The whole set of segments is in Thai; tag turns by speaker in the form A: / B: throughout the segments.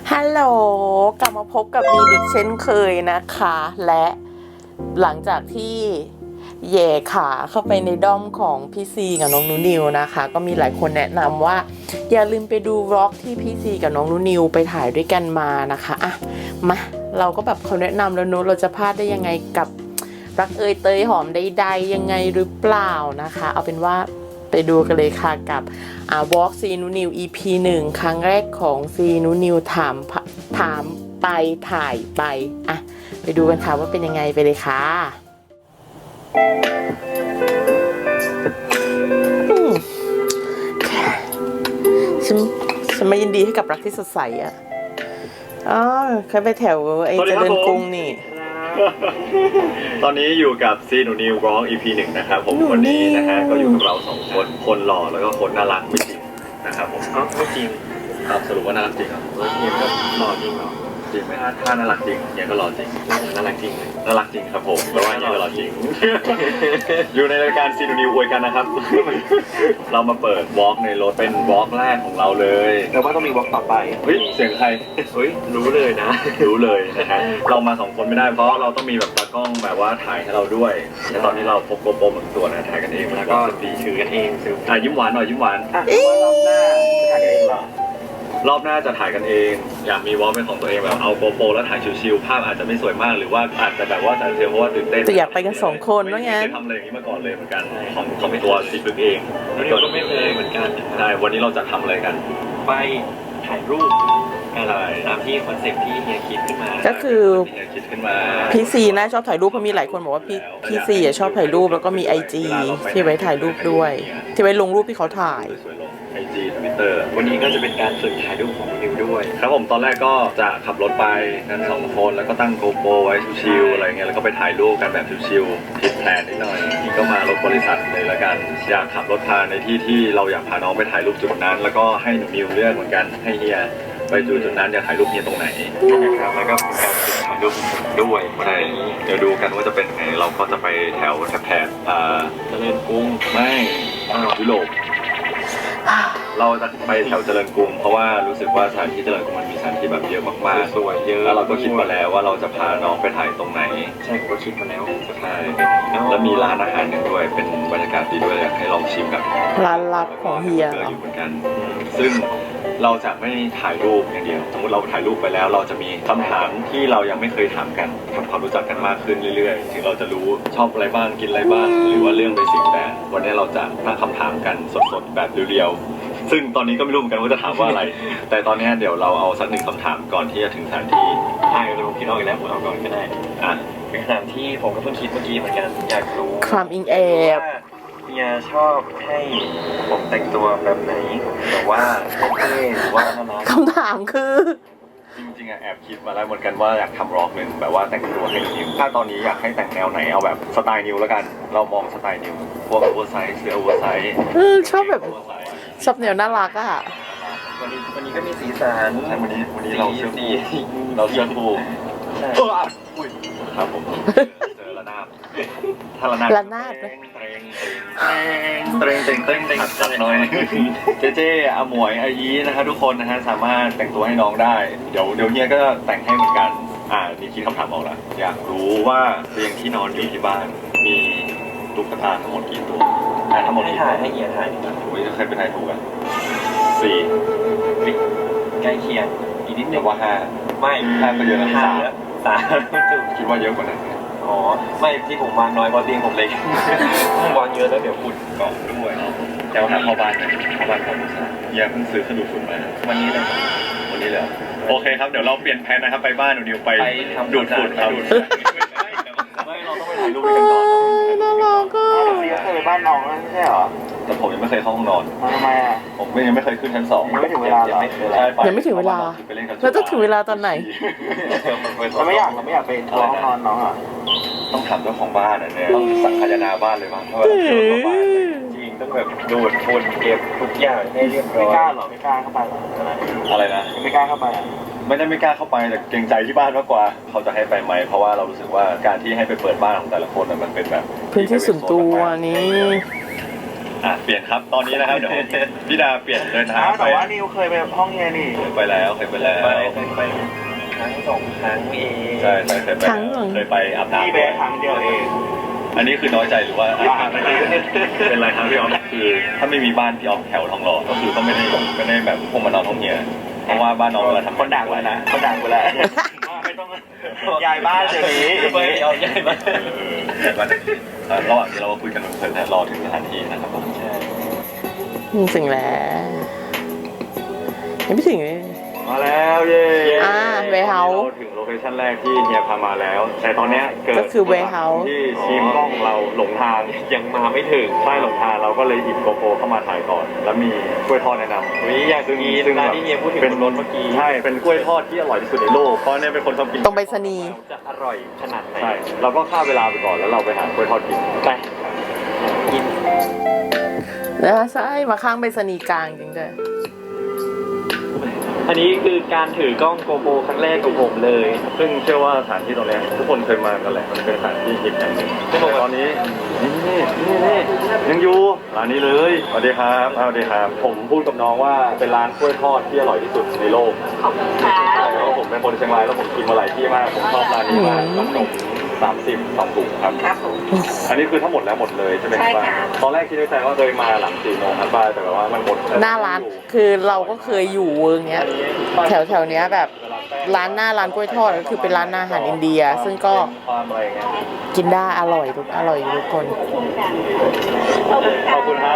A: ฮัลโหลกลับมาพบกับมีดิกเช่นเคยนะคะ และหลังจากที่แย่ขาเข้าไปในด้อมของพี่ซีกับน้องนูนิวนะคะ ก็มีหลายคนแนะนำว่าอย่าลืมไปดูวล็อกที่พี่ซีกับน้องนูนิวไปถ่ายด้วยกันมานะคะอ่ะมาเราก็แบบเขาแนะนำแล้วนู้นเราจะพลาดได้ยังไงกับรักเอยเตยหอมใดๆยังไงหรือเปล่านะคะเอาเป็นว่าไปดูกันเลยค่ะกับวอล์กซีนูนิว EP 1 ครั้งแรกของซีนูนิวถามไปถ่ายไปอ่ะไปดูกันค่ะว่าเป็นยังไงไปเลยค่ะฉันไม่ยินดีให้กับรักที่สดใสอ่ะอ๋อเคยไปแถวไอ้เจริญกรุงนี่
B: ตอนนี้อยู่กับซีหนูนิวร้อง EP 1 นะครับผมวันนี้นะฮะก็อยู่กับเรา2 คนหล่อแล้วก็คนน่ารักไม่จริงนะครับผมไม่จริงครับสรุปว่าน่ารักจริงเหรอเฮียก็หล่อจริงเหรอจริงไหมถ้าน่ารักจริงเฮียก็หล่อจริงน่ารักจริงน่ารักจริงครับผมแปลว่าเฮียก็หล่อจริงอยู่ในรายการซีหนูนิวอวยกันนะครับเรามาเปิดวอล์กในรถเป็นวอล์กแรกของเราเลยแต่ว่าต้องมีวอล์กต่อไปเฮ้ยเสียงใครเฮ้ยรู้เลยนะรู้เลยนะฮะเรามา2 คนไม่ได้เพราะเราต้องมีแบบตากล้องแบบว่าถ่ายให้เราด้วยและตอนนี้เราพกโกโปรเหมือนตัวนะถ่ายกันเองแล้วก็ตีชื่อกันเองยิ้มหวานหน่อยยิ้มหวานรอบหน้าจะถ่ายกันเองอยากมีวอล์กเป็นของตัวเองแบบเอาโกโปรแล้วถ่ายชิวๆภาพอาจจะไม่สวยมากหรือว่าอาจจะแบบว่าถ่ายเทลเพราะว่าตื่นเต้น
A: แต่อยากไปกัน2 คนว่างั้น
B: ไม่เคยทำอะไรอย่างนี้มาก่อนเลยเหมือนกันของตัวซีบึกเองแล้วก็ไม่เคยเหมือนกันใช่วันนี้เราจะทำอะไรกันไปถ่ายรูปอะไรตามที่คอนเซ็ปต์ที่เฮียคิดขึ้นมา
A: ก็คือพี่ซีนะชอบถ่ายรูปเพราะมีหลายคนบอกว่าพี่ซีชอบถ่ายรูปแล้วก็มี IG ที่ไว้ถ่ายรูปด้วยที่ไว้ลงรูปที่เขาถ่าย
B: IG Twitter วันนี้ก็จะเป็นการฝึกถ่ายรูปของนิวด้วยครับผมตอนแรกก็จะขับรถไปกัน2 คนแล้วก็ตั้งโกโปรไว้ชิวๆอะไรเงี้ยแล้วก็ไปถ่ายรูปกันแบบชิวๆผิดแผนนิดหน่อยนี่ก็มารถบริษัทเลยละกันอยากขับรถพาในที่เราอยากพาน้องไปถ่ายรูปจุดนั้นแล้วก็ให้หนูนิวเลือกเหมือนกันให้เฮียไปจุดนั้นอยากถ่ายรูปเฮียตรงไหนนะครับแล้วก็เป็นการฝึกถ่ายรูปด้วยวันนี้เดี๋ยวดูกันว่าจะเป็นไงเราก็จะไปแถวแถบเจริญกรุงไม่ยุโรปเราจะไปแถวเจริญกรุงเพราะว่ารู้สึกว่าสถานที่เจริญกรุงมันมีสถานที่แบบเยอะมากๆสวยเยอะแล้วเราก็คิดมาแล้วว่าเราจะพาน้องไปถ่ายตรงไหนใช่ผมก็คิดมาแล้วใช่แล้วมีร้านอาหารหนึ่งด้วยเป็นบรรยากาศดีด้วยอยากให้ลองชิมกับ
A: ร้านลับของเฮีย
B: อยู่เหมือนกันซึ่งเราจะไม่ถ่ายรูปอย่างเดียวสมมติเราถ่ายรูปไปแล้วเราจะมีคำถามที่เรายังไม่เคยถามกันทำความรู้จักกันมากขึ้นเรื่อยๆถึงเราจะรู้ชอบอะไรบ้างกินอะไรบ้างหรือว่าเรื่องเบสิกแต่วันนี้เราจะตั้งคำถามกันสดๆแบบเรียวๆซึ่งตอนนี้ก็ไม่รู้เหมือนกันว่าจะถามว่าอะไร แต่ตอนนี้เดี๋ยวเราเอาสัก1 คำถามก่อนที่จะถึงสถานที่ใช่เราคิดเอาอีกแล้วผมเอาก่อนก็ได้เป็นคำถามที่ผมก็เพิ่งคิดเมื่อกี้เหมือนกันอยากรู้
A: ความอิงแอบ
B: เฮียชอบให้ผมแต่งตัวแบบไหนแต่ว่าเท่หรือว่าน่ารัก
A: คำถามคือ
B: จริงๆแอบคิดมาแล้วเหมือนกันว่าอยากทำร็อกหนึ่งแบบว่าแต่งตัวให้นิวถ้าตอนนี้อยากให้แต่งแนวไหนเอาแบบสไตล์นิวแล้วกันเรามองสไตล์นิวพวกโอเวอร์ไซส์เสื้อโอเวอร์ไซส์
A: ชอบแบบชอบแนวน่ารักอะ
B: วันนี้ก็มีสีสันวันนี้เราเชื่อฟูครับผมเจอระนาบถ้าระนาบเตรงจัดหน่อยเจ๊อาหมวยอายีนะฮะทุกคนนะฮะสามารถแต่งตัวให้น้องได้เดี๋ยวเฮียก็แต่งให้เหมือนกันนี่คิดคำถามออกแล้วอยากรู้ว่าเตียงที่นอนอยู่ที่บ้านมีตุ๊กตาทั้งหมดกี่ตัวทั้งหมดกี่ตัวให้เฮียถ่ายใครเป็นทายถูกอ่ะ4ใกล้เคียงอีกนิดนึงว่า5ไม่5ก็เยอะแล้ว3คิดว่าเยอะกว่านั้นไม่ที่ผมวางน้อยเพราะเตียงผมเล็กวางเยอะแล้วเดี๋ยวฝุ่นเกาะด้วยแต่ว่าเข้าบ้านครับยังเพิ่งซื้อขนมฝุ่นมาวันนี้เลยโอเคครับเดี๋ยวเราเปลี่ยนแผนนะครับไปบ้านหนูนิวไปดูดฝุ่นครับไม่เราต้องไปถ่ายรูปกันก่อน
A: น่ารักก็
C: เคยไปบ้านน้องไม่ใช่เหรอ
B: แต่ผมยังไม่เคยเข้าห้องนอน
C: ทำไม
B: ผมยังไม่เคยขึ้นชั้น2
C: ยังไม่ถึงเวลา
A: ยังไม่ถึงเวลาแล้วต้องถึงเวลาตอนไหน
C: เราไม่อยากไปห้องนอนน้องอ่ะ
B: ต้องถามเจ้าของบ้านเนี่ยต้องสังคายนาบ้านเลยมั้งเพราะว่าจริงต้องแบบดูดฝุ่นเก็บทุกอย่างให้เรียบร้อย
C: ไม่กล้าหรอไม่กล้าเข้าไปหรอ
B: อะไรนะ
C: ไม่กล้าเข้าไป
B: ไม่ได้ไม่กล้าเข้าไปแต่เกรงใจที่บ้านมากกว่าเขาจะให้ไปไหมเพราะว่าเรารู้สึกว่าการที่ให้ไปเปิดบ้านของแต่ละคนมันเป็นแบบ
A: พื้นที่ส่วนตัวนี้
B: เปลี่ยนครับตอนนี้นะครับเดี๋ยวพี่ดาเปลี่ยนเดินทาง
C: แต่ว่านิวเคยไปห้องเฮียนี่
B: เคยไปแล้วเคยไปครั้งสองครั้งเองใช่เคยไปเคยไปอาบน้ำ
C: พี่เบสครั้งเดียวเอง
B: อันนี้คือน้อยใจหรือว่าเป็นไรครับพี่ออฟคือถ้าไม่มีบ้านพี่ออฟแถวทองหล่อก็คือก็ไม่ได้แบบพวกมานอนห้องเฮียเพราะว่าบ้านน้องเวลาทำ
C: คนด่ากูแล้วนะคนด่ากูแล้วไม่ต้องย้ายบ้านเดี๋ยวนี้
B: ไปเอาย้ายบ้านระหว่างที่เราคุยกันเพลินๆรอถึงสถานที่นะครับผมใช่
A: ถึงแล้วยังไม่ถึงเลย
C: มาแล้วเย้
A: warehouse
C: ถึงโลเคชั่นแรกที่เฮียพามาแล้วแต่ตอนเนี้ยเกิด
A: ก็คือ warehouse
C: ที่ทีมกล้องเราหลงทางยังมาไม่ถึงใช่หลงทางเราก็เลยหยิบโกโปรเข้ามาถ่ายก่อนแล้วมีกล้วยทอดแนะนำอยากกินร้านที่เฮียพูดถึงเป็นรถเมื่อกี้ใช่เป็นกล้วยทอดที่อร่อยที่สุดในโลกเพราะเนี่ยเป็นคนชอบกิน
A: ตรงไปรษณีย์
C: จะอร่อยขนาดไหนใช่เราก็ฆ่าเวลาไปก่อนแล้วเราไปหากล้วยทอดกินไปกิน
A: นะคะใช่มาข้างไปรษณีย์กลางจริงด้วย
C: อันนี้คือการถือกล้องโกโปรครั้งแรกของผมเลย ซึ่งเชื่อว่าสถานที่ตรงนี้ทุกคนเคยมากันแหละมันเป็นสถานที่ฮิตอย่างหนึ่งตอนนี้นี่ยังอยู่ร้านนี้เลยสวัสดีครับสวัสดีครับผมพูดกับน้องว่าเป็นร้านกล้วยทอดที่อร่อยที่สุดในโลกขอบคุณค่ะเพราะผมเป็นคนเชียงรายแล้วผมกินมาหลายที่มากผมชอบร้านนี้มากขนม32 ถุงครับอันนี้คือทั้งหมดแล้วหมดเลยใช่ไหมครับตอนแรกคิดในใจว่าเคยมาหลัง4 โมงครับป้าแต่แบบว่ามันหมด
A: หน้าร้านคือเราก็เคยอยู่เวิร์กเนี้ยแถวเนี้ยแบบร้านหน้าร้านกล้วยทอดก็คือเป็นร้านอาหารอินเดีย ซึ่งก็กินได้อร่อยทุกคน
C: ขอบคุณครับ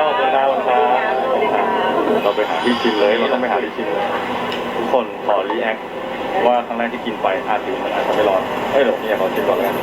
C: เราไปหาที่ชิมเลยเราต้องไปหาที่ชิมเลยทุกคนขอรีแอคว่าครั้งแรกที่กินไปอาจจะไม่ร้อนเดี๋ยวเนี่ยขอชิมก่อนแล้วกัน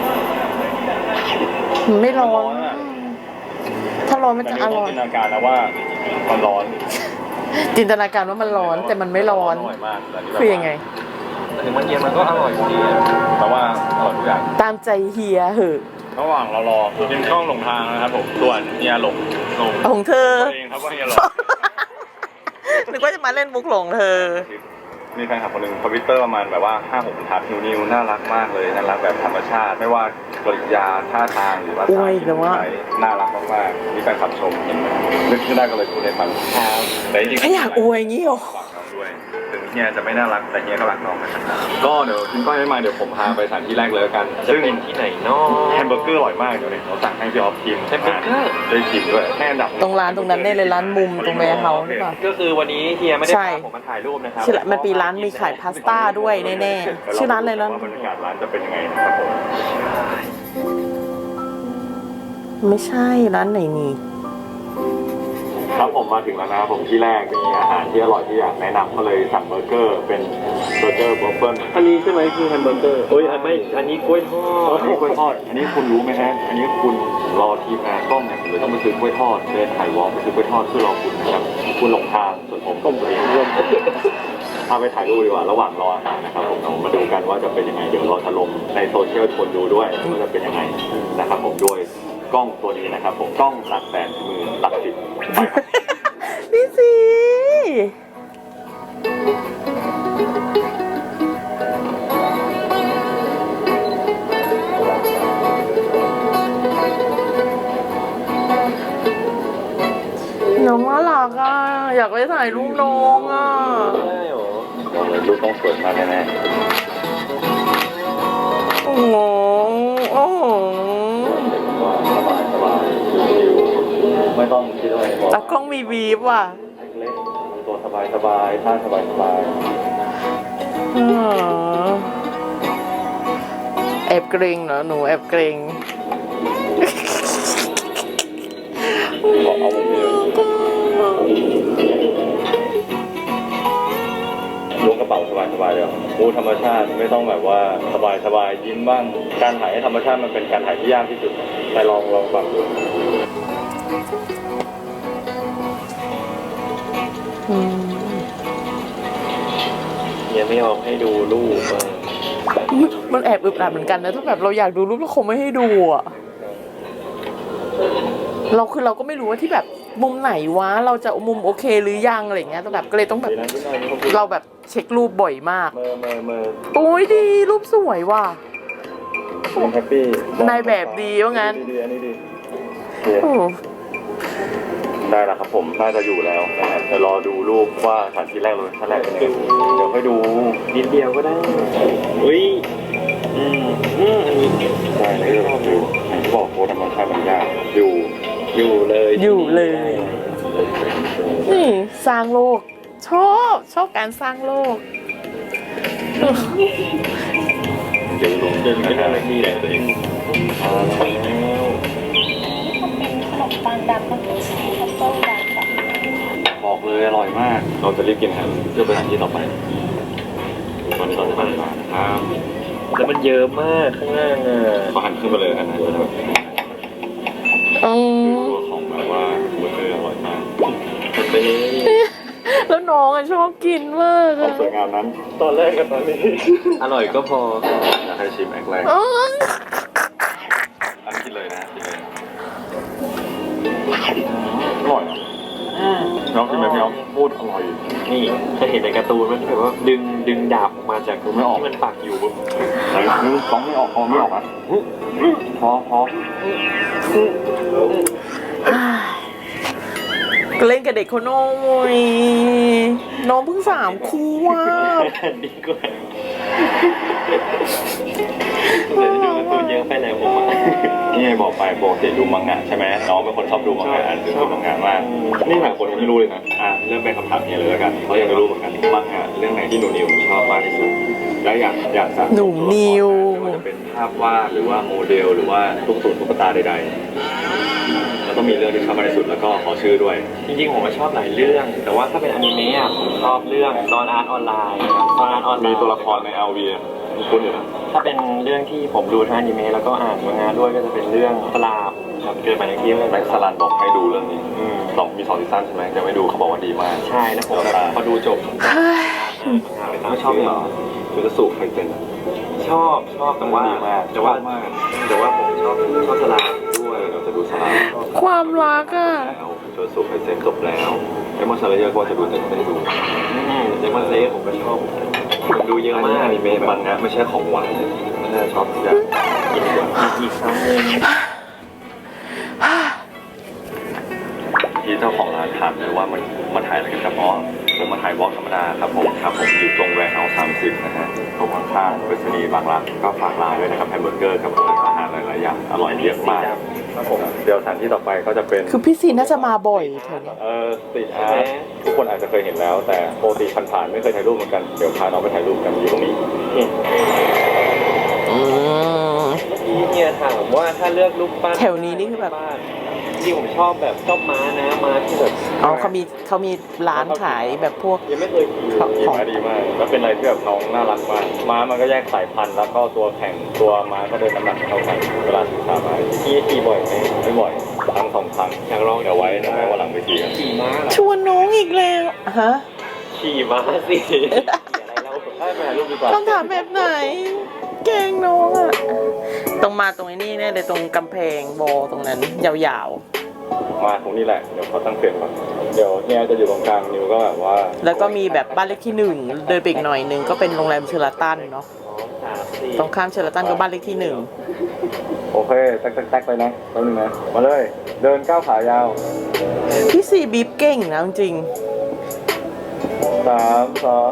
A: ไม่ร้อนถ้าร้อนมันจะอร่อย
C: จินตนาการนะว่ามันร้อน
A: จินตนาการว่ามันร้อนแต่มันไม่ร้อน
C: อร่อยมาก
A: คือยังไง
C: ถึงมันเย็นมันก็อร่อยอยู่ดีแต่ว่าอร่อยทุกอย่าง
A: ตามใจเฮียเหอะ
C: ระหว่างเรารอทีมช่องหลงทางนะครับผมส่วนเฮียหลง
A: ของเธอ
C: ตัวเองครับว่าเฮียหลง
A: นึกว่าจะมาเล่นมุกหลงเธอ
C: มีแฟนคลับคนหนึ่งทวิตเตอร์ประมาณแบบว่า 5-6 บรรทัดนิวน่ารักมากเลยน่ารักแบบธรรมชาติ ไม่ว่ากริยาท่าทางหรือว่า
A: อวยแต่ว่า
C: น่ารักมากๆมีแฟนคลับชมนึกขึ้นได้ก็เลยพูดให้ฟังแต่จริงๆ
A: ไม่อยากอวยงี้หรอ
C: ฝากน้องด้วยถึงเฮียจะไม่น่ารักแต่เฮียก็รักน้องนะครับก็เดี๋ยวกินก้อยไม่มาเดี๋ยวผมพาไปสถานที่แรกเลยกันซึ่งที่ไหนเนาะแฮมเบอร์เกอร์อร่อยมากเดี๋ยวเนี่ยเราสั่งให้พี่ออฟชิมแฮมเบอร์เกอร์ได้ชิมด้วยแค่อันดับ
A: ตรงร้านตรงนั้นได้เลยร้านมุมตรงแวร์เฮาส์หรือเปล่า
C: ก็คือวันนี้เฮียไม่ได้
A: ใช่
C: พาผมมาถ่ายรูปนะครับ
A: ชื่อมันปีร้านมีขายพาสต้าด้วยแน่ๆชื่อร้านอะไรร้าน
C: ว่าบรรยากาศร้านจะเป็นยังไงนะครับผม
A: ไม่ใช่ร้านไหนนี่
C: ครับผมมาถึงแล้วนะครับผมที่แรกมีอาหารที่อร่อยที่อยากแนะนำก็เลยสั่งเบอร์เกอร์เป็นเบอร์เกอร์บัฟเฟิลอันนี้ใช่ไหมคือแฮมเบอร์เกอร์โอ้ยไม่อันนี้กล้วยทอดอันนี้กล้วยทอดอันนี้คุณรู้ไหมฮะอันนี้คุณรอทีมงานกล้องเนี่ยผมเลยต้องไปซื้อกล้วยทอดเดินถ่ายวอล์กไปซื้อกล้วยทอดเพื่อรอคุณนะครับคุณหลงทางส่วนผมก็เองร่วมพาไปถ่ายรูปดีกว่าระหว่างรออาหารนะครับผมเรามาดูกันว่าจะเป็นยังไงเดี๋ยวเราจะลงในโซเชียลคนดูด้วยว่าจะเป็นยังไงนะครับผมด้วยกล้องตัวนี้นะครับผมกล้องหลักแสนมือหลักสิบไปครับ
A: พี่สีน้องน่ารักอ่ะอยากไปถ่ายรูปน้องอ่ะ
C: บอกเลยรูปต้องสวยมากแน่
A: โอ้โหโอ้โห
C: ๆว่าสบายชิวๆไม่ต้องคิดอะไรบอก
A: ตากล้องมีบีบว่ะ
C: เล็กๆตัวสบายท่าสบาย
A: อ๋อแอบเกรงเหรอหนูแอบเกรง
C: บอกเอามุมเดียวล้วงกระเป๋าสบายๆเลยมูธรรมชาติไม่ต้องแบบว่าสบายยิ้มบ้างการถ่ายให้ธรรมชาติมันเป็นการถ่ายที่ยากที่สุดแต่ลองฟังดู ยังไม่ยอมให้ดูรูป
A: มันแอบอึดอัดเหมือนกันนะถ้าแบบเราอยากดูรูปเราคงไม่ให้ดูอ่ะเราก็ไม่รู้ว่าที่แบบมุมไหนวะเราจะมุมโอเคหรือยังอะไรเงี้ยแต่แบบก็เลยต้องแบบเราแบบเช็ครูปบ่อยมาก
C: เมอ
A: โอ้ยดีรูปสวยว่ะ
C: แฮปปี้
A: นายแบบดีว่างั้น
C: ดีอันนี้ดี
A: โอ้
C: ได้แล้วครับผมน่าจะอยู่แล้วนะครับเดี๋ยวรอดูรูปว่าสถานที่แรกเลยท่านแรกเป็นยังไงเดี๋ยวค่อยดู
D: นิดเดียวก็ได้อุ้ยอันนี้
C: ใช่ในเรื่องคืออย่างที่บอกโค้ดมันค่อนข้างมันยากอยู่เลย
A: อยู่เลยนี่สร้างโลก ชอบการสร้างโลก
C: เดี๋ยวลง
D: เดินขึ้นอะไรนี่แหละตัวเอง
C: มาแล้ว
E: นี่ก็เป็นขนมปังดำมันคือทัฟเฟิลดำแบบ
C: บอกเลยอร่อยมาก เราจะรีบกินครับเพื่อไปสถานที่ต่อไปตอนนี้เราจะไปมานะครับ
D: แล้วมันเยอะมากข้างล่างอ่ะ
C: ขอหันขึ้นไปเลยกันนะจะแบบ
A: อืม
C: ตัวของแบบว่าเบอร์เกอร์อร่อยมาก
D: มันไปเลย
A: แล้วน้องอะชอบกินมาก
C: ความ
A: อะ
C: สวยงามนั้นตอนแรกกับตอนนี้
D: อร่อยก็พอ
C: อยากให้ชิมแอคแรก
A: อ๋อ
C: อันนี้กินเลยนะกินเลยอร่อยอ่ะน้องกินไหมพี่น้องพูดอร่อย
D: นี่เคยเห็นในการ์ตูนมันแบบว่าดึงดาบออกมาจากที่มันปักอยู่บน
C: แต่นึกต้องไม่ออกไม่ออกอ่ะพอ
A: เล่นกับเด็กคนน้อยน้องเพิ่ง3 ขวบ
D: ดีกว่าเลยดูการ์ตูนเยอะไปแล้วผมอ่ะ
C: นี่ไงบอกไปปกติดูมังงะใช่ไหมน้องเป็นคนชอบดูมังงะอ่านดูมังงะมากนี่หลายคนยังไม่รู้เลยนะเริ่มเป็นคำถามเฮียเลยแล้วกันเพราะยังไม่รู้เหมือนกันมังงะเรื่องไหนที่หนูนิวชอบมากที่สุดและอยากสั่ง
A: หนุ่มนิว
C: ไม่ว่าจะเป็นภาพวาดหรือว่าโมเดลหรือว่าตุ๊กตาใดๆแล้วก็มีเรื่องที่ชอบมากที่สุดแล้วก็ขอชื่อด้วย
D: จริงๆผมชอบหลายเรื่อง แต่ว่าถ้าเป็นอนิเมะอ่ะผมชอบเรื่องตอนอาร์ตออนไลน์นะครับตอนอาร์ตออนไลน์
C: มีตัวละครใน LV มีคุณอยู่นะ
D: ถ้าเป็นเรื่องที่ผมดูทางอนิเมะแล้วก็อ่านมังงะด้วยก็จะเป็นเรื่องสลาบครับเกิดมาในที่
C: แม็กซ์สลันบอกให้ดูเรื่องนี้
D: อืม
C: มี2 ซีซั่นใช่ไหมยังไม่ดูเขาบอกว่าดีมาก
D: ใช่แล้วผมแบบพอดูจบไม่ชอบเหรอ
C: คือจะสูบใครเป็น
D: ชอบแต่ว่า
C: ดีมาก
D: แต่ว่า
C: ชอบมาก
D: แต่ว่าผมชอบสลาบด้วย
C: เดี๋ยวจะดูสลัน
A: ความรักอะ
C: แล้วจนสูบใครเซ็นจบแล้วไอ้มอนซาเรเยอร์ก็จะดูแต่ไม่ได้ดู
D: เดมอนเซผมก็ชอบผมดูเยอะมาก
C: อนิเมะมันนะไม่ใช่ของหวานไม่ใช่ชอบทุกอย่างกินดีกว่า
D: อีกครั้งหนึง
C: ที่เจ้าของร้านถามเลยว่ามันถ่ายอะไรกันครับอ๋อผมมาถ่ายวอล์กธรรมดาครับผมอยู่ตรงแวร์เฮาส์30นะฮะตรงข้างๆไปรษณีย์บางรักก็ฝากร้านด้วยนะครับแฮมเบอร์เกอร์กับอาหารหลายๆอย่างอร่อยเยอะมากครับผมเดี๋ยวสถานที่ต่อไปก็จะเป็น
A: คือพี่ซีน่าจะมาบ่อยแถวเนี้ย
C: สตรีทอาร์ตทุกคนอาจจะเคยเห็นแล้ว แต่ปกติผ่านๆไม่เคยถ่ายรูปเหมือนกันเดี๋ยวพาน้องไปถ่ายรูปกันอยู่ตรงนี้
A: อืม
D: เฮียถามว่าถ้าเลือกรูปปั้น
A: แถวนี้นี่คือแบบ
D: บ้านจริงผมชอบม้านะม้าที่แบบ
A: อ๋อเขามีร้านขายแบบพวก
D: ยังไม่เคยขี่
A: ครับ
C: ดีมากดีมากแล้วเป็นอะไรที่แบบน้องน่ารักมากม้ามันก็แยกสายพันธุ์แล้วก็ตัวแข่งตัวม้าก็เดินน้ำหนักเท่ากันเวลาศึกษาม้าขี่บ่อยไหมไม่บ่อยครั้ง2 ครั้งอยากลองเดี๋ยวไว้นะแม่ว่าหลังเวทีกัน
D: ขี่ม้าเหรอ
A: ชวนน้องอีกแล้วฮะ
D: ขี่ม้าสิขี่อะไรเรา
C: ให้ไปถ่ายรูปดีกว่า
A: คำถามแบบไหน แกล้งน้องอะต้องมาตรงนี้เนี่ยเลยตรงกำแพงโบตรงนั้นยาว
C: มาตรงนี้แหละเดี๋ยวเขาตั้งเปลี่ยนก่อนเดี๋ยวเนี่ยจะอยู่ตรงกลางนิวก็แบบว่า
A: ๆ แล้วก็มีแบบบ้านเลขที่ 1 เดินไปอีกหน่อยนึงก็เป็นโรงแรมเชอราตันเนาะ ตรงข้ามเชอราตันก็บ้านเลขที่
C: โอเคแท็กเลยนะแป๊บนึงนะมาเลยเดินก้าวขายาว
A: 1พี่ซีบีบเก่งนะจริง
C: 3 2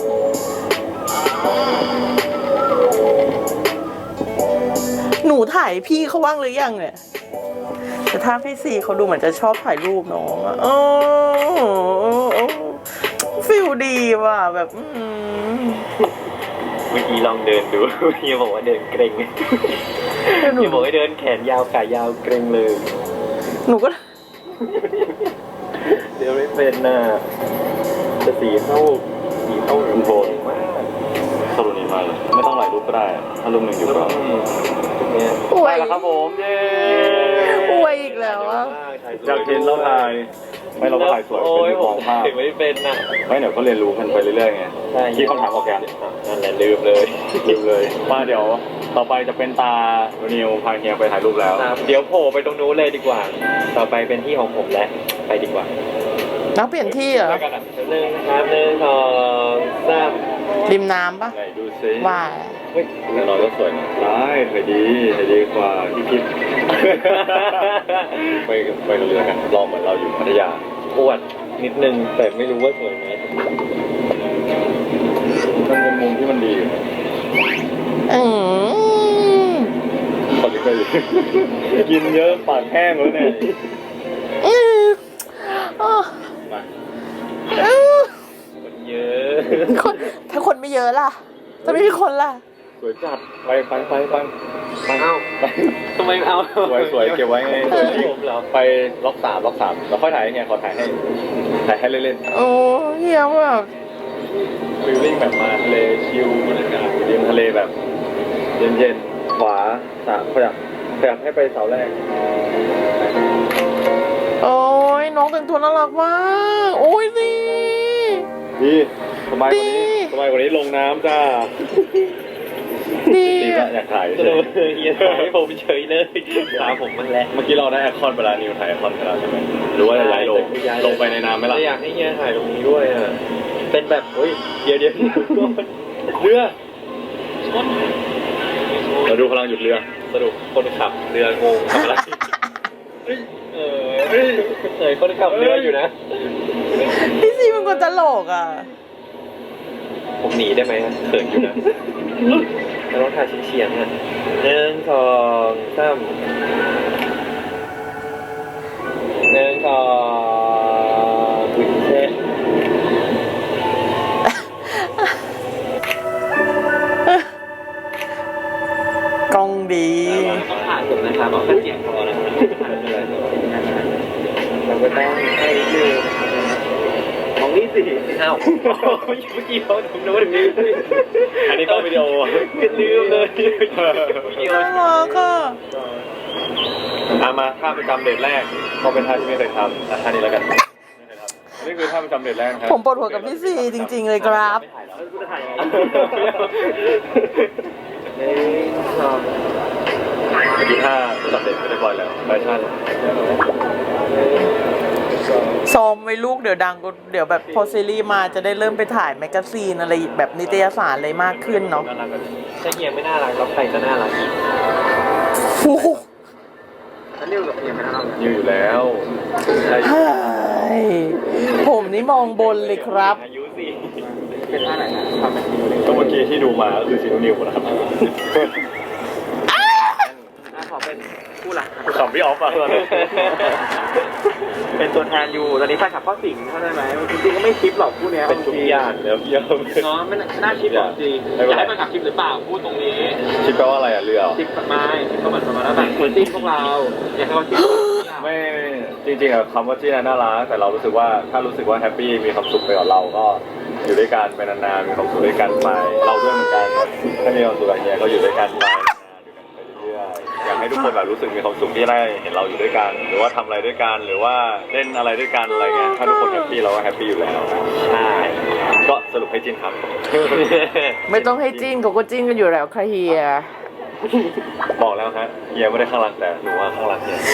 A: หนูถ่ายพี่เขาว่างหรือยังเนี่ย แต่ถ้าพี่ซีเขาดูเหมือนจะชอบถ่ายรูปน้องอะโอ้ฟิลดีว่ะแบบ
D: เมื่อกี้ลองเดินดูเฮียบอกว่าเดินเกรงเฮียบอกให้เดินแขนยาวขายาวเกรงเลย
A: หนูก็
D: เดี๋ยวไม่เป็นน่ะจะสีเข้า
C: คุณโทน
D: มาก
C: สรุปนี้มาเลยไม่ต้องหลายรูปก็ได้ถ้ารูปหนึ่งอยู่ก็
D: เนี่ย
A: อว
C: ได้
A: ย
C: แล้วครับผมเย้
A: อวยอีกแล้วอะ
C: จากเห็นเราถ่ายไม่เราก็ถ่ายสวย
D: โอ้ย
C: เป็น
D: ผม
C: มองภาพ
D: ถ่ายไม่เป็นน่ะ
C: ไม่เดี๋ยวก็เรียนรู้กันไปเรื่อยๆไง
D: ใช่
C: คิดคำถามออกแกน
D: นั่นแหละลืมเลย
C: ลืมเลยมาเดี๋ยวต่อไปจะเป็นตานิวพาเฮียไปถ่ายรูปแล้ว
D: ครับเดี๋ยวโผล่ไปตรงนู้นเลยดีกว่า ต่อไปเป็นที่ของผมแล้วไปดีกว่า
A: นักเปลี่ยนที่เหรอ
D: 1ครับ1 2 3
A: ริมน้ำปะ
C: ไหนดูซิ
A: ว่า
D: น
C: ฮ้ยแน่นอนก็สวยนะได้เคยดีกว่าที่คิด ไปกับเรือกันลองเหมือนเราอยู่พัทยา
D: อวดนิดนึงแต่ไม่รู้ว่าสวยไหม
C: มันเป็นมุมที่มันดีอยู่นะ
A: อืม
C: คนที่เคยอยู่ กินเยอะปากแห้งแล้วเนี่ย
A: อืมอ้อ
C: มา
A: อืม
D: คนเยอะ
A: คนถ้าคนไม่เยอะล่ะถ้าไม่มีคนล่ะ
C: สวยจัดไป
D: เอ้าทำไมเอา
C: สวยเก็บไว้ไง
D: ผมเหรอ
C: ไปล็อกสามแล้วค่อยถ่ายให้ขอถ่ายให้เล่น
A: โอ้เฮียแบบ
C: ๆฟิลลิ่งแบบมาทะเลชิลบรรยากาศริมทะเลแบบเย็นๆขวาสามขยับให้ไปเสาแรก
A: โอ้ยน้องแต่งตัวน่ารักมากโอ้ยสิ
C: ดีสบายกว่านี้
A: ดี
C: สบายกว่านี้ลงน้ำจ้า
A: ดี
C: ดี
A: อะ
C: ก็อยากถ่าย
D: ก็
C: เฉ
D: เลย ยเฮียถ่ายให้ผมเฉยเลยตามผมมันแหละ
C: เมื่อกี้เราได้แอคคอนไปแล้วนิวถ่ายแอคคอนไปแล้วใช่ไหมหรือว่าจะย้ายลงไปในน้ำไหมล่ะ
D: อยากให้เฮียถ่ายตรงนี้ด้วยอ่ะเป็นแบบเฮ้ยเดี๋ยว
C: เรือเราดูพลังหยุดเรือ
D: สรุปคนขับเรืองงทำอะไรเคยคนขับเรืออยู่นะ
A: พี่ซีมันคนตลกอ่ะ
D: ผมหนีได้ไหมเขินอยู่นะแต่ต้องถ่ายเฉียงๆอ่ะ1 2 3 1 2วินเทจ
A: กล้องดี
D: ต้องถ่ายผมนะครับเอาแค่เสียงพอนะครับถ่ายไม่เป็นไรเราก็ต้องให้ยืมของนี่สิอ้าวเมื่อกี้เขาถึงโน้ตถึงนี้
C: อันนี้ก็วิดีโอ
D: ก็ลืมเลยวิดีโอ
A: น่ารักอ่ะ
C: มาท่าประจำเดทแรกก็เป็นท่าที่ไม่เคยทำท่านี้แล้วกันนี่คือท่าประจำเดทแรกครับ
A: ผมปวดหัวกับพี่ซีจริงๆเลยครับ
D: ไม่ถ่ายแล้วกูจะถ่ายยังไง
C: เมื่อกี้ท่าประจำเดทเรียบร้อยแล้วแฟชั่น
A: ซ้อมไว้ลูกเดี๋ยวดังก็เดี๋ยวแบบพอซีรีส์มาจะได้เริ่มไปถ่ายแมกกาซีนอะไรแบบนิตยสารอะไรมากขึ้นเนาะ
C: น่ารักกัน
D: ถ้าเฮียไม่น่ารักแล้วใครจะน่ารักอีก
A: โอ้โห
D: ถ้าเรียกกับเฮียไม่น่ารัก
C: ยือยู่แล้ว
A: เฮ้ยผมนี่มองบนเลยครับ
D: อายุสิเป็นท่าไหนนะทำเป็นทีเลย
C: ก็เมื่อกี้ที่ดูมาก็คือซีนูนิวนะครับ
D: ขอเป็นผู้หลัก
C: ขำพี่ออฟอะตอนนั้น
D: เป็นตัวแทนอยู่ตอนนี้แฟนคลับเข้าสิงเข้าใจไหมจริงๆก็ไม่คลิปหรอกคู่เนี้ย
C: เป็นทุกอย่างแล้วพี่ออฟ
D: เนาะไม่น่าคลิปหรอกจริงอยากให้แฟนคลับคลิปหรือเปล่าพูดตรงนี้
C: คิดแปลว่าอะไรอ่ะเรือ
D: คลิปไม่คลิปก็เหมือนประมาณว่าแบบเหมือนจิ้นพวกเราอยากให้เขาคลิป
C: ไม่จริงๆอะคำว่าจีน่ารักแต่เรารู้สึกว่าถ้ารู้สึกว่าแฮปปี้มีความสุขไปกับเราก็อยู่ด้วยกันไปนานๆมีความสุขด้วยกันไปเราด้วยเหมือนกันถ้ามีความสุขอย่างเงี้ยก็อยู่ด้วยกันไปเรื่อยๆอยากให้ทุกคนแบบรู้สึกมีความสุขที่ได้เห็นเราอยู่ด้วยกัน หรือว่าทำอะไรด้วยกันหรือว่าเล่นอะไรด้วยกันอะไรเงี้ยถ้าทุกคนแฮปปี้เราก็แฮปปี้อยู่แล้วใช่ก็สรุปให้จินครับ
A: ไม่ต้องให้จิ้นเขาก็จิ้นกันอยู่แล้วค่ะเฮีย
C: บอกแล้วฮะเฮียไม่ได้ข้างรักแต่หนูว่าข้างรักเฮีย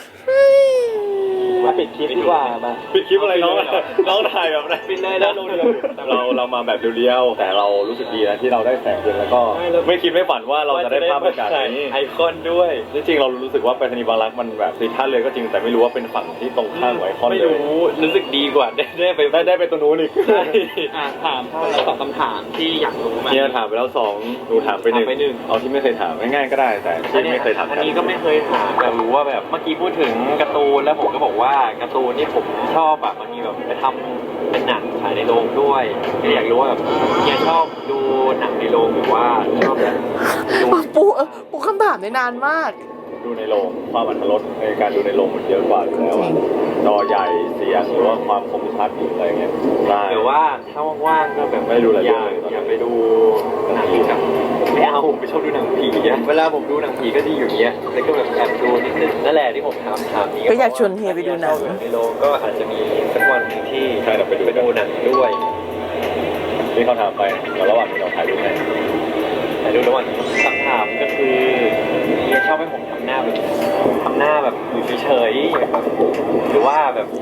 D: มาปิดคลิปดีกว่ามา
C: ปิดคลิปอะไรน้องถ่ายแบบไหน
D: ปิดเลยนะ
C: เรามาแบบเรียวๆแต่เรารู้สึกดีนะที่เราได้แสงเดือนแล้วก็ไม่คิดไม่ฝันว่าเราจะได้ภาพบรรยากาศนี้
D: ไอคอนด้วย
C: จริงๆเรารู้สึกว่าไปธนีบางรักมันแบบติดท่าเรือก็จริงแต่ไม่รู้ว่าเป็นฝั่งที่ตรงข้ามกับไอคอน
D: ไม่
C: เลย
D: รู้สึกดีกว่าได้ไป
C: ได้ไปตรงนู้นอีก
D: ถามเราตอบคำถามที่อยากรู้มา
C: เนี่ยถามไปแล้ว2หนูถามไปหนึ่งเอาที่ไม่เคยถามง่ายๆก็ได้แต่ที่ไม่เคยถาม
D: อันนี้ก็ไม่เคยถามแต่รู้ว่าแบบเมื่อกี้พูดถึงการ์ตูนแล้วผมก็บอกว่าการ์ตูนนี่ผมชอบแบบมันมีแบบไปทำเป็นหนังฉายในโรงด้วยก็อยากรู้ว่าแบบเฮียชอบดูหนังในโรงหรือว่าชอบแบบดู
A: ปูคำถามได้นานมาก
C: ดูในโรงความอรรถรสในการดูในโรงมันเยอะกว่าอยู่แล้วอะจอใหญ่เสียงหรือว่าความคมชัดหรืออะไรเงี้ยได้
D: หรือว่าถ้าว่างๆก็แบบ
C: ไม่ได้ดูอะไร
D: อยาก
C: เลย
D: อยากไปดูหนังแบบไม่เอาผมไม่ชอบดูหนังผีอะเวลาผมดูหนังผีก็ที่อยู่เงี้ยแล้วก็แบบแอบดูนิดนึงนั่นแหละที่ผมถามนี้
A: ก็อยากชวนเฮียไปดูหนัง
D: ในโรงก็อาจจะมีสักวันหนึ่งที่
C: ใช่เราไปดู
D: หนังด้วย
C: ที่เขาถามไปแล้วระหว่างที่เราถ่ายรูปให้
D: แต่ดูระหว่างคำถามก็คือเฮียชอบให้ผมทำหน้าแบบอยู่เฉยๆแบบหรือว่าแบบ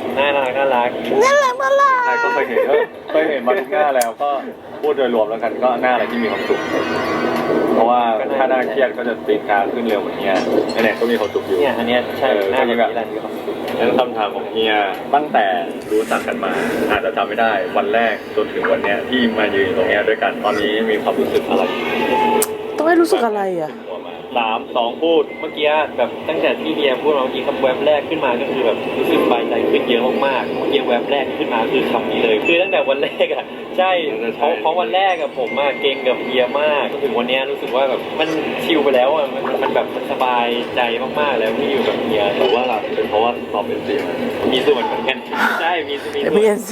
D: น่ารัก
A: น่ารักน่ารัก
C: ใช่ก็เคยเห็นมาทุกหน้าแล้วก็พูดโดยรวมแล้วกันก็หน้าอะไรที่มีความสุขเพราะว่าถ้าหน้าเครียดก็จะตีนกาขึ้นเร็วเหมือนเฮียเนี่ยก็มีความสุขอยู่
D: เนี่ยอันเนี้ยใช่หน้าแบบนี้แหละมีความสุข
C: นั้นคำถามของเฮียตั้งแต่รู้จักกันมาอาจจะจำไม่ได้วันแรกจนถึงวันเนี้ยที่มายืนตรงเนี้ยด้วยกันตอนนี้มีความรู้สึกอะไร
A: ต้องให้รู้สึกอะไรอ่ะ
C: หัวมา3 2พูด
D: เมื่อกี้แบบตั้งแต่ที่เฮียพูดมาเมื่อกี้คำแวบแรกขึ้นมาก็คือแบบรู้สึกสบายใจขึ้นเยอะมากๆเมื่อกี้แวบแรกที่ขึ้นมาคือคำนี้เลยคือตั้งแต่วันแรกอ่ะใช่เพราะวันแรกอะผมอะเก่งกับเฮียมากจนถึงวันเนี้ยรู้สึกว่าแบบมันชิลไปแล้วอะมันแบบมันสบายใจมากๆแล้วที่อยู่กับเฮีย
C: หรือว่าเป็นเพราะว่าสอบเป็นสีมา
D: มีส่วนเหมือนกันใช่มีส่วน
A: MBNC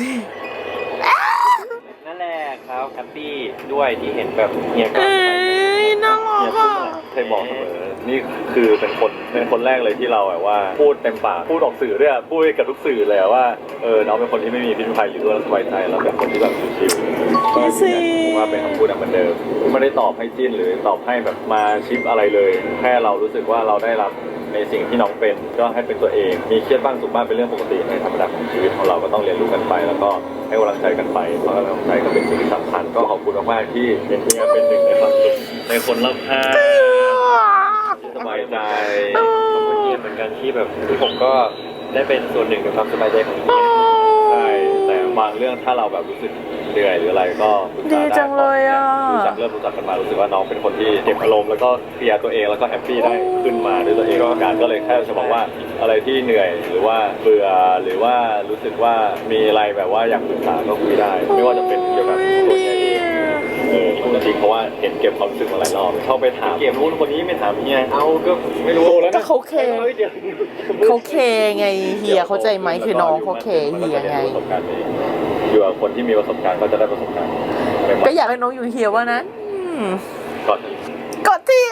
D: นั่นแหละครับแฮปปี้ด้วยที่เห็นแบบเฮียก็
A: เอ้ยน่ารักอ่ะ
C: เคยบอกเสมอนี่คือเป็นคนแรกเลยที่เราแบบว่าพูดเต็มปากพูดออกสื่อด้วยพูดกับทุกสื่อเลยว่าน้องเป็นคนที่ไม่มีพิษภัยอยู่ด้วยแล้วสบายใจแล้วเป็นคนที่แบบชิลๆ
A: พี่ซี
C: ว่าเป็นคำพูดเหมือนเดิมไม่ได้ตอบให้จิ้นหรือตอบให้แบบมาชิปอะไรเลยแค่เรารู้สึกว่าเราได้รับในสิ่งที่น้องเป็นก็ให้เป็นตัวเองมีเครียดบ้างสุขบ้างเป็นเรื่องปกติในธรรมดาของชีวิตของเราก็ต้องเรียนรู้กันไปแล้วก็ให้กำลังใจกันไปเพราะกำลังใจก็เป็นสิ่งที่สำคัญก็ขอบคุณมากๆที่เป็นเพียงเป็นหนึ่งในความสุขในคนรอบข้างที่สบายใจ
D: ขอบคุณเฮียเหมือนกันที่แบบที่ผมก็ได้เป็นส่วนหนึ่งในความสบายใจของเฮีย
C: ใช่แต่บางเรื่องถ้าเราแบบรู้สึกเหนื่อยหรืออะไรก็ปรึกษา
A: ดีจังเลยอ่ะ
C: เริ่มรู้จักกันมารู้สึกว่าน้องเป็นคนที่เก็บอารมณ์แล้วก็เคลียร์ตัวเองแล้วก็แฮปปี้ได้ขึ้นมาด้วยตัวเองการก็เลยแค่จะบอกว่าอะไรที่เหนื่อยหรือว่าเบื่อหรือว่ารู้สึกว่ามีอะไรแบบว่าอยากปรึกษาก็คุยได้ ไม่ว่าจะเป็นเกี่ยวกับตัวเองพูดจริงเพราะว่าเห็นเก็บความรู้สึกมาหลายรอบเข้าไปถามเก็บนู้นคนนี้ไม่ถามเฮียเอาก็ไม่รู้แล้ว
A: ก็เขาเคเขาเคไงเฮียเข้าใจไหมคือน้องเขาเคเฮียไง
C: อยู่กับคนที่มีประสบการณ์ก็จะได้ประสบการณ์
A: ก็อยากให้น้องอยู่เฮียว่านั้น
C: ก่อน
A: กดที่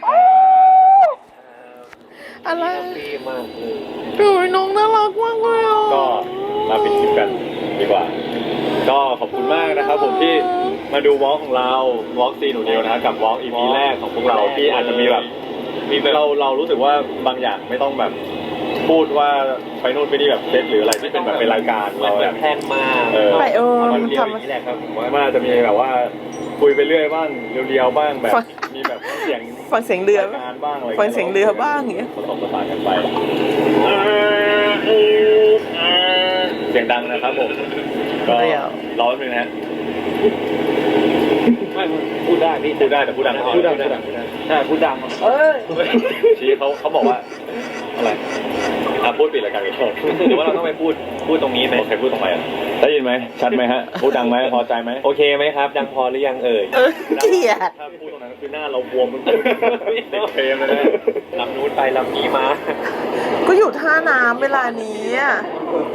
A: อะไร
D: ดีมากเลย
A: โอ้ยน้องน่ารักมากเลยอ่ะ
C: ก็มาปิดคลิปกันดีกว่า ก็ขอบคุณมากนะครับผมที่มาดูวอล์กของเราวอล์กซีหนูเดียวนะครับกับวอล์ก EP แรกของพวกเราที่อาจจะมีแบบเรารู้สึกว่าบางอย่างไม่ต้องแบบพูดว่าไปนู่นไปนี่แบบเซตหรืออะไรที่เป็นแบบเป็นรายการเรา
D: แบ
C: แบบ บ
D: แท่งมาก
A: ไป
C: มันเรียวอ
A: ทำ
C: ย่างนี้แหละครับผมว่ามันอาจจะมีแบบว่าคุยไปเรื่อยบ้างเรียวๆบ้างแบบมีแบบเสียง
A: ฟังเสียงเรือ
C: รายการบ้างอะไร
A: ฟังเสียงเรือบ้างอย่างเงี้ย
C: ผสมผสานกันไปเสียงดังนะครับผมก็รอแป๊บนึงนะฮะ
D: ไม่พูดได้พี่
C: พูดได้แต่พูดดัง
D: ใช่พูดดัง
C: ชี้เขาบอกว่าอะไรพูดปิดรายการกัน
D: หรือว่าเราต้องไปพูดตรงนี้ไหม
C: โอเคพูดตรงไหนอ่ะได้ยินไหมชัดไหมฮะพูดดังไหมพอใจไหม
D: โอเคไหมครับ ดังพอหรือยังเอ่ย
A: เกลียด
C: ถ้าพูดตรงนั้นคือหน้าเราบวมมันติดเฟรมเลยนะ
D: ลำนู้นไปลำนี้มา
A: ก็อยู่ท่าน้ำเวลานี้อ่ะ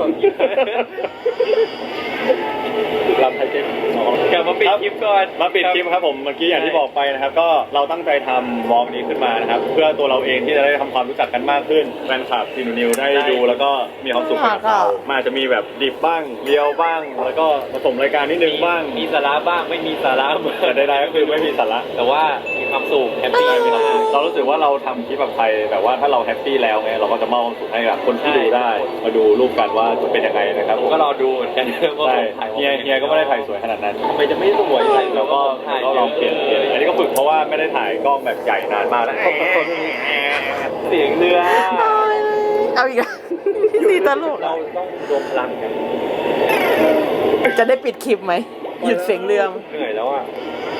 C: ลำไทยเก๊ก
D: กลับมาปิดคลิปก่อน
C: มาปิดคลิปครับผมเมื่อกี้อย่างที่บอกไปนะครับก็เราตั้งใจทำวอล์กนี้ขึ้นมานะครับเพื่อตัวเราเองที่จะได้ทำความรู้จักกันมากขึ้นแฟนคลับซีนูนิวได้ดูแล้วก็มีความสุขไปกับเรามันอาจจะมีแบบดิบบ้างเรียวบ้าง แล้วก็ผสมรายการนิดนึงบ้าง
D: มีสาระบ้างไม่มีสาระบ้าง
C: แต่ใดๆก็คือไม่มีสาระ
D: แต่ว่ามีความสุขแฮปปี้มีความสุข
C: เรารู้สึกว่าเราทำคลิปแบบไทยแบบว่าถ้าเราแฮปปี้แล้วไงเราก็จะมอบความสุขให้กับคนที่ดูได้มาดูรูปกันว่าจะเป็นยังไงนะครับ
D: ผมก็รอดูเหมือนกันว่า
C: ใช่
D: ถ่าย
C: เฮียก็ไม่ได้ถ่ายสวยขนาดนั้น
D: ทำไมจะไม่สวยใส่
C: เราก็ลองเปลี่ยนอันนี้ก็ฝึกเพราะว่าไม่ได้ถ่ายกล้องแบบใหญ่นานมากแล้ว
D: เสียงเรือ
A: เอาอีกแล้วสีตลก
D: เราต้องรวมพลังกัน
A: จะได้ปิดคลิปไหมหยุดเสียงเรือ
D: เหนื่อยแล้วอ่ะ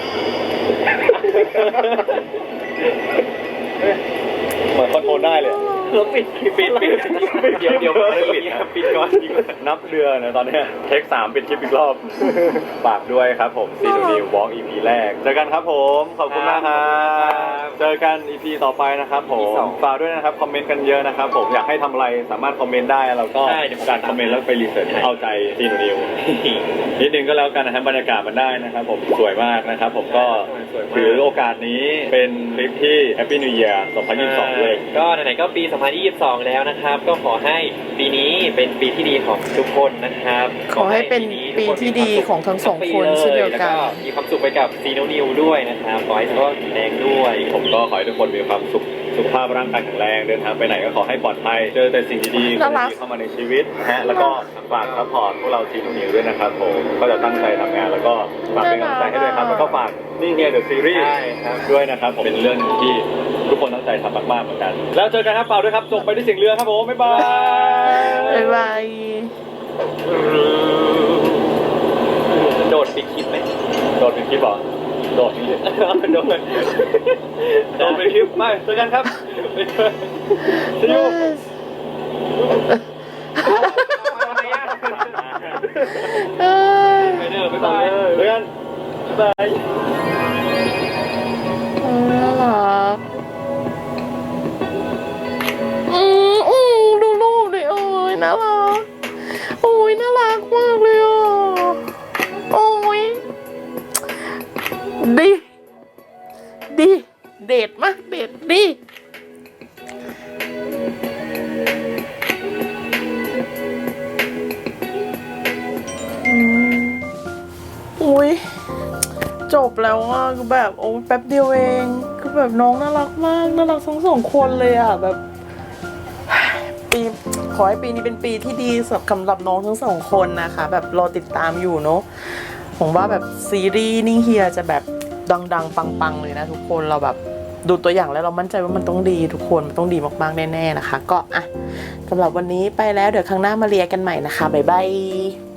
C: เหมือนคอนโทรลได้เลย
D: เราปิดเดี๋ยวปิดก่อน
C: นับเรือนะตอนนี้เทค 3ปิดคลิปอีกรอบฝากด้วยครับผมซีนูนิววอล์ก EP แรกเจอกันครับผมขอบคุณมากครับเจอกัน EP ต่อไปนะครับผมฝากด้วยนะครับคอมเมนต์กันเยอะนะครับผมอยากให้ทำอะไรสามารถคอมเมนต์ได้เราก็การคอมเมนต์แล้วไปรีเสิร์ชเอาใจซีนูนิวนิดนึงก็แล้วกันนะครับบรรยากาศมันได้นะครับผมสวยมากนะครับผมก็ถือโอกาสนี้เป็นคลิปที่ Happy New Year 2022ด้วย
D: ก็ไหนๆก็ปี 2022 แล้วนะครับ ก็ขอให้ปีนี้เป็นปีที่ดีของทุกคนนะครับ
A: ขอให้เป็นปีที่ดีของทั้งสองคนเช่นเดียวกัน
D: แล้วก็มีความสุขไปกับซีโนนิวด้วยนะครับขอให้สุขภาพแข็งแรงด้วย
C: ผมก็ขอให้ทุกคนมีความสุขสุขภาพร่างกายแข็งแรงเดินทางไปไหนก็ขอให้ปลอดภัยเจอแต่สิ่งดีๆคนดีๆเข้ามาในชีวิตนะฮะแล้วก็ฝากซัพพอร์ตพวกเราทีมนิวด้วยนะครับผมก็จะตั้งใจทำงานแล้วก็ฝากเป็นกำลังใจให้ด้วยครับแล้วก็ฝากนี่ไงเดอะซีรีส์ด้วยนะครับผมเป็นเรื่องหนึ่งที่ทุกคนตั้งใจทำมากๆเหมือนกันแล้วเจอกันครับเปล่าด้วยครับจบไปด้วยเสียงเรือครับผมบ๊ายบาย
A: บ๊ายบาย
D: โดดปิดคลิปไหม
C: โดดเป็นคลิปเหรอโดดโดดเป็นคลิปไม่เจอกันครับซีอู
D: ไปเด้อบ๊ายบาย
C: เจอกันบ๊ายบาย
A: น่ารักดูรูปดิโอ้ยน่ารักโอ้ยน่ารักมากเลยอ่ะโอ้ยดิเด็ดมากเด็ดดิอุ้ยจบแล้วอ่ะคือแบบโอ้ยแป๊บเดียวเองคือแบบน้องน่ารักมากน่ารักทั้งสองคนเลยอ่ะแบบปีขอให้ปีนี้เป็นปีที่ดีสำหรับน้องทั้งสองคนนะคะแบบรอติดตามอยู่เนาะผมว่าแบบซีรีส์นิ่งเฮียจะแบบดังๆปังๆเลยนะทุกคนเราแบบดูตัวอย่างแล้วเรามั่นใจว่ามันต้องดีทุกคนมันต้องดีมากๆแน่ๆนะคะก็อ่ะสำหรับวันนี้ไปแล้วเดี๋ยวครั้งหน้ามาเรียกันใหม่นะคะบ๊ายบาย